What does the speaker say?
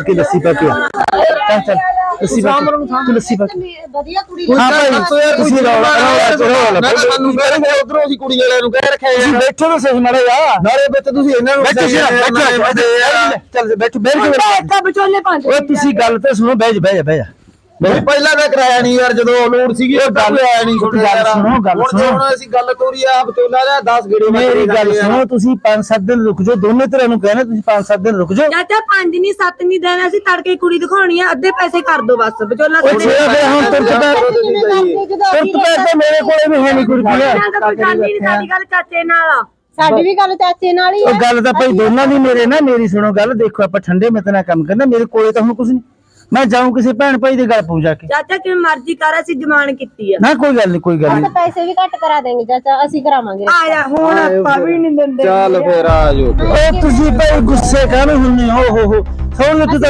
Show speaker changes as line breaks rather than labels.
ਕਰਕੇ ਲੱਸੀ ਪਾ ਕੇ ਚੱਲ ਚੱਲ ਲੱਸੀ ਪਾ ਕੇ ਲੱਸੀ ਪਾ ਕੇ
ਵਧੀਆ ਕੁੜੀ
ਹਾਂ ਭਾਈ ਤੁਸੀਂ ਰੌਲਾ
ਸਾਨੂੰ ਕਹਿੰਦੇ ਉਧਰੋਂ ਅਸੀਂ ਕੁੜੀ ਵਾਲਿਆਂ ਨੂੰ ਕਹਿ ਰੱਖਿਆ
ਤੁਸੀਂ ਬੈਠੋ ਤਾਂ ਸਹੀ ਮਾੜਾ ਜਾ
ਨਾਲੇ ਵਿੱਚ ਤੁਸੀਂ ਇਹਨਾਂ ਨੂੰ
ਚੱਲ ਬੈਠੋ ਬੈਠ
ਵਿਚੋਲੇ ਪੰਜ
ਓਏ ਤੁਸੀਂ ਗੱਲ ਤਾਂ ਸੁਣੋ ਬਹਿ ਜਾ
ਪਹਿਲਾਂ ਤਾਂ ਕਰਾਇਆ ਨਹੀਂ ਯਾਰ ਜਦੋਂ ਲੋੜ ਸੀਗੀ ਉਹ ਗੱਲ ਆਇਆ ਨਹੀਂ
ਗੱਲ ਸੁਣੋ
ਹੁਣ ਅਸੀਂ ਗੱਲ ਤੋਰੀ ਆ ਬਤੋਲਾ ਦਾ 10 ਗੇੜੇ
ਮੇਰੀ ਗੱਲ ਸੁਣੋ ਤੁਸੀਂ 5-7 ਦਿਨ ਰੁਕ ਜਾਓ ਦੋਨੇ ਤਰ੍ਹਾਂ ਨੂੰ ਕਹਿਣਾ ਤੁਸੀਂ 5-7 ਦਿਨ ਰੁਕ ਜਾਓ
ਚਾਚਾ 5 ਨਹੀਂ 7 ਨਹੀਂ ਦੇਣਾ ਅਸੀਂ ਤੜਕੇ ਕੁੜੀ ਦਿਖਾਉਣੀ ਆ ਅੱਧੇ ਪੈਸੇ ਕਰ ਦੋ ਬਸ ਵਿਚੋਲਾ
ਉਹ ਜਿਹੜਾ ਫਿਰ ਹੁਣ ਤੁਰਤ ਪੈ ਮੇਰੇ ਕੋਲੇ ਵੀ ਹੈ ਨਹੀਂ ਕੁੜੀ
ਸਾਡੀ ਗੱਲ ਚਾਚੇ ਨਾਲ ਸਾਡੀ ਵੀ ਗੱਲ ਚਾਚੇ ਨਾਲ ਹੀ
ਉਹ ਗੱਲ ਤਾਂ ਭਾਈ ਦੋਨਾਂ ਦੀ ਮੇਰੇ ਨਾ ਮੇਰੀ ਸੁਣੋ ਗੱਲ ਦੇਖੋ ਆਪਾਂ ਠੰਡੇ ਮਿੱਤ ਨਾਲ ਕੰਮ ਕਰਨਾ ਮੇਰੇ ਕੋਲੇ ਤਾਂ ਹੁਣ ਕੁਝ ਨਹੀਂ ਮੈਂ ਜਾਊਂ ਕਿਸੇ ਭੈਣ ਭਾਈ ਦੇ ਗੱਲ ਪਹੁੰਚਾ ਕੇ
ਚਾਚਾ ਕਿਵੇਂ ਮਰਜ਼ੀ ਕਰ ਅਸੀਂ ਜਮਾਨ ਕੀਤੀ ਆ
ਨਾ ਕੋਈ ਗੱਲ ਨਹੀਂ
ਪੈਸੇ ਵੀ ਘੱਟ ਕਰਾ ਦੇਂਗੇ ਚਾਚਾ ਅਸੀਂ ਕਰਾਵਾਂਗੇ ਆ ਜਾ ਹੁਣ ਆਪਾਂ ਵੀ ਨਹੀਂ ਦਿੰਦੇ
ਚੱਲ ਫੇਰ ਆ ਜਾਓ
ਓਏ ਤੁਸੀਂ ਭਾਈ ਗੁੱਸੇ ਕਾਹਨੂੰ ਹੁੰਨੇ ਹੋ ਸੁਣ